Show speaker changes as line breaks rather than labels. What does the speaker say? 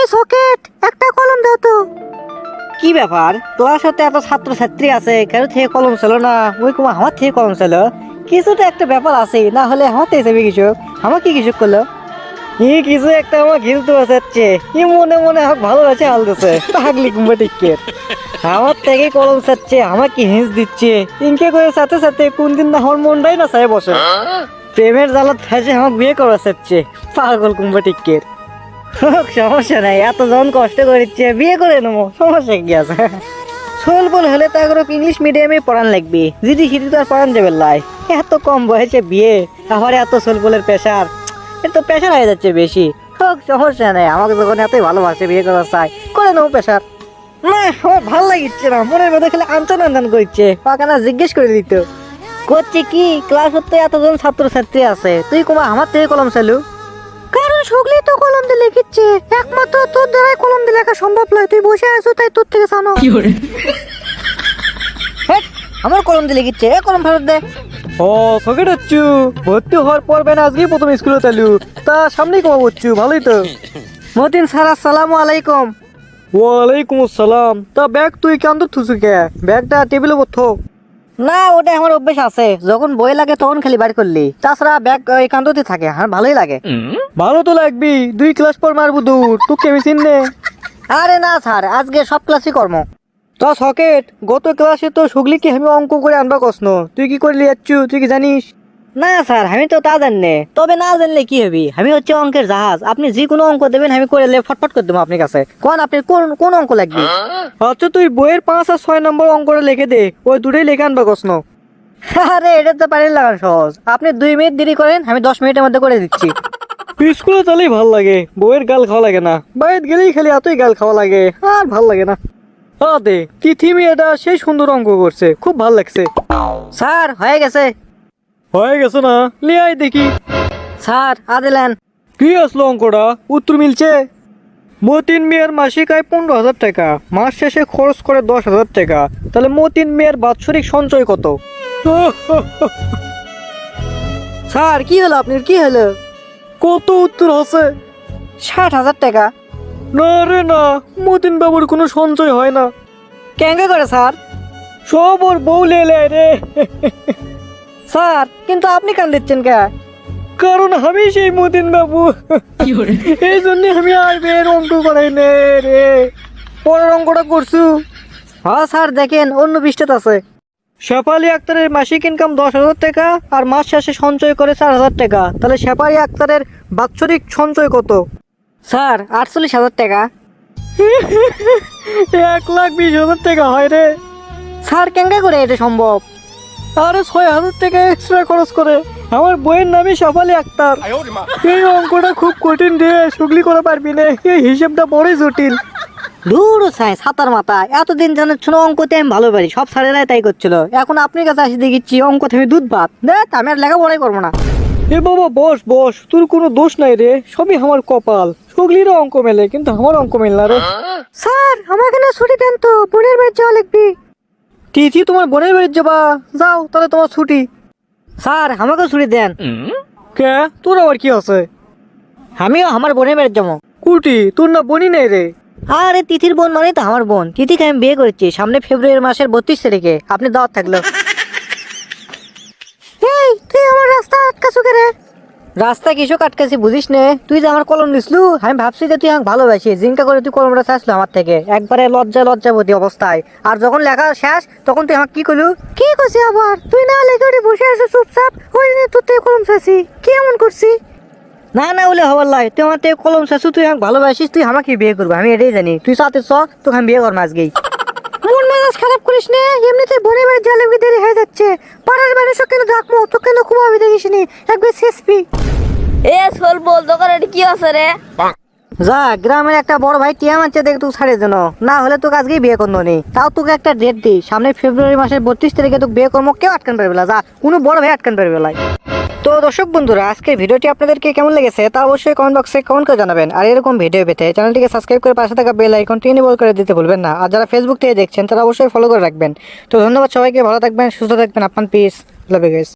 Socket একটা কলম দাও তো। কি ব্যাপার, তোমার সাথে এত ছাত্র ছাত্রী আছে, কেন থেকে কলম ছিল না? ওই কুমা আমার থেকে কলম ছিল, কিছুটা একটা ব্যাপার আছে, না হলে আমার থেকে যাবে কৃষক। আমার কি কৃষক করলো? কিছু একটা আমার ঘিলতে বসাচ্ছে, মনে মনে আমাকে ভালোবাসে হালতেছে পাগলি কুম্বা টিকের। আমার থেকে কলম চাচ্ছে, আমার কি হিংস দিচ্ছে, ইনকে করে সাথে সাথে কোন দিন না আমার মনটাই না চাই বসে। প্রেমের জ্বালাত ফেসে আমাকে বিয়ে করা চাচ্ছে পাগল কুম্বা টিকের। সমস্যা নাই, এত জন কষ্ট করিচ্ছে, বিয়ে করে নেবো, সমস্যা কি আছে? সোলবল হলে তো এগুলো ইংলিশ মিডিয়ামে পড়ান লাগবে, যদি হিন্দি তো আর পড়ান যাবে লাই। এত কম বয়সে বিয়ে, আবার এত সোলবলের প্রেশার, তো প্রেশার হয়ে যাচ্ছে বেশি। হোক, সমস্যা নেই, আমাকে যখন এতই ভালোবাসে বিয়ে করা চাই, করে নেবো প্রেশার। না, আমার ভালো লাগিচ্ছে না, মনের মধ্যে খালি আঞ্চন আঞ্চন করছে, পাকানা জিজ্ঞেস করে দিত। করছে কি, ক্লাস হতে এতজন ছাত্র ছাত্রী আছে, তুই কুমা আমার থেকে কলম চালু? কারণ সগলি তো কলম দিয়ে লিখিচ্ছে, একমাত্র তোর দ্বারাই কলম দিয়ে লেখা সম্ভব নয়, তুই বসে আছো তাই তোর থেকে জানো। আমার কলম দিয়ে লিখিচ্ছে, কলম ফেরত দে। ও সকেট হচ্ছু, ভর্তি হওয়ার পর বেন আজকেই প্রথম স্কুলে চালু, তা সামনেই কমা করছু, ভালোই তো। মতিন স্যার আসসালামু আলাইকুম। ওয়ালাইকুম আসসালাম। তা ব্যাগ তুই কেন থুসু কে? ব্যাগটা টেবিলে বথো। না, ওটা আমার অভ্যেস আছে, যখন বই লাগে তখন খালি বার করলি, তাছাড়া ব্যাগ একান্ততে থাকে, আমার ভালোই লাগে। ভালো তো লাগবি, 2 ক্লাস পর মারবো দূর, তুই কেমি চিননে? আরে না স্যার, আজকে সব ক্লাসই কর্ম। তা সকেট, গত ক্লাসে তো সুগলিকে আমি অঙ্ক করে আনবা কসন, তুই কি করলি যাচ্ছু, তুই কি জানিস? না স্যার, আমি তো তা জানি, তবে না জানলে কি হবে, আমি হচ্ছে অঙ্কের জাহাজ, আপনি যে কোনো অঙ্ক দেবেন আমি করে ফটফট করে দেবো আপনার কাছে। কোন আপনি কোন কোন অঙ্ক লাগবে? আচ্ছা, তুই বইয়ের 5 আর 6 নম্বর অঙ্কটা লিখে দে, ওই দুটোই লিখে আনবা কসন। আরে এটা তো পারেন লাগান সহজ, আপনি 2 মিনিট দেরি করেন, আমি 10 মিনিটের মধ্যে করে দিচ্ছি। স্কুলে তাহলেই ভাল লাগে, বইয়ের গাল খাওয়া লাগে না, বাইরে গেলেই খালি এতই গাল খাওয়া লাগে, আর ভাল লাগে না। দে তিথি মেয়েটা সেই সুন্দর অঙ্ক করছে, খুব ভাল লাগছে। স্যার হয়ে গেছে। হয়ে গেছে না, লিয়াই দেখি। স্যার আদিলেন। কি আসলো অঙ্কটা, উত্তর মিলছে? মতিন মেয়ের মাসিক আয় 15,000 টাকা, মাস শেষে খরচ করে 10,000 টাকা, তাহলে মতিন মেয়ের বাৎসরিক সঞ্চয় কত? স্যার কি হলো আপনার, কি হলো? কত উত্তর আছে? 60,000 টাকা। না রে না, মতিন বাবুর কোনো সঞ্চয় হয় না। কেঙ্গে করে স্যার? সব ওর বউ লেলে রে। স্যার কিন্তু আপনি কান দিচ্ছেন কে? কারণ আমি সেই মতিন বাবু, এই জন্য আমি আর বের অঙ্ক করাই নে রে। পরের অঙ্কটা করছু? হ্যাঁ স্যার, দেখেন অন্য পৃষ্ঠাতে আছে। শেফালি আক্তারের মাসিক ইনকাম 10,000 টাকা আর মাস শেষে সঞ্চয় করে 4,000 টাকা, তাহলে শেফালি আক্তারের বাৎসরিক সঞ্চয় কত? স্যার 48,000 টাকা। 1,20,000 টাকা হয় রে। স্যার কেঙ্গা করে এটা সম্ভব? আরে 6,000 টাকা এক্সট্রা খরচ করে, আমার বইয়ের নামই শেফালি আক্তার। এই অঙ্কটা খুব কঠিন রে, সুগলি করা পারবি না, এই হিসেবটা বড়ই জটিল। দূর সাই সাতার মাথা, এতদিন জানো ছোট অঙ্কতে আমি ভালো পারি, সব স্যারেরাই তাই করছিল, এখন আপনার কাছে আসি দেখিচ্ছি অঙ্ক আমি দুধ ভাত দেখ, আমি আর লেখাপড়াই করবো না। এ বাবা বস বস, তোর কোনো দোষ নাই রে, সবই আমার কপাল, সুগলিরও অঙ্ক মেলে কিন্তু আমার অঙ্ক মেল না রে। স্যার আমাকে না ছুটি দেন তো, বোনের বাড়ি যাওয়া লিখবি। তিথি তোমার বোনের বাড়ি যাবা, যাও তাহলে তোমার ছুটি। স্যার আমাকে ছুটি দেন। কে, তোর আবার কি আছে? আমিও আমার বোনের বাড়ি যাবো। কুটি, তোর না বোনই নেই রে। আরে তিথির বোন মানে তো আমার বোন, তিথিকে আমি বিয়ে করেছি সামনে ফেব্রুয়ারি মাসের 32 তারিখে, আপনি দাওয়াত থাকলো। এই তুই আমার রাস্তা আটকাছো কে রে? রাস্তা কিছু আটকাছি বুঝিস নে, তুই যে আমার কলম দিসলু, আমি ভাবছি যে তুই আমাকে ভালোবাসি, জিঙ্কা করে তুই কলমটা চাইছিলো আমার থেকে, একবারে লজ্জাবতী অবস্থায়, আর যখন লেখা শেষ তখন তুই আমাকে কি করলু? কি করছি আবার, তুই না লেখে ওটি বসে আছো চুপচাপ, ওই জন্য তোর থেকে কলম চাইছি, কি এমন করছি? না না বলে হবার লাই, তুই আমার থেকে কলম চাইছু, তুই আমাকে ভালোবাসিস, তুই আমাকে বিয়ে করবি, আমি এটাই জানি, তুই সাথে চ, তোকে আমি বিয়ে করবো আজকেই। মন মেজাজ খারাপ করিস নে, এমনিতে বোনের বাড়ি যা লাগবে দেরি হয়ে যাচ্ছে, পাড়ার মানুষও কেন ডাকবো, তো কেন খুব আমি দেখিস নি, একবার শেষবি।
এ সোল বল দোকানে কি আছে রে?
যা, গ্রামের একটা বড় ভাই টিয়া মারছে, দেখ তুই ছাড়িয়ে দেন, না হলে তোকে আজকেই বিয়ে করবো নি, তাও তোকে একটা ডেট দিই, সামনে ফেব্রুয়ারি মাসের 32 তারিখে তোকে বিয়ে করবো, কেউ আটকান পারবে না, যা কোনো বড় ভাই আটকান পারবে না। তো দর্শক বন্ধুরা, আজকের ভিডিওটি আপনাদেরকে কেমন লেগেছে তা অবশ্যই কমেন্ট বক্সে কমেন্ট করে জানাবেন, আর এরকম ভিডিও পেতে চ্যানেলটিকে সাবস্ক্রাইব করে পাশে থাকা বেল আইকনটি এনেবল করে দিতে ভুলবেন না, আর যারা ফেসবুক থেকে দেখছেন তারা অবশ্যই ফলো করে রাখবেন। তো ধন্যবাদ সবাইকে, ভালো থাকবেন, সুস্থ থাকবেন, আপনার পিস, লাভ ইউ গাইস।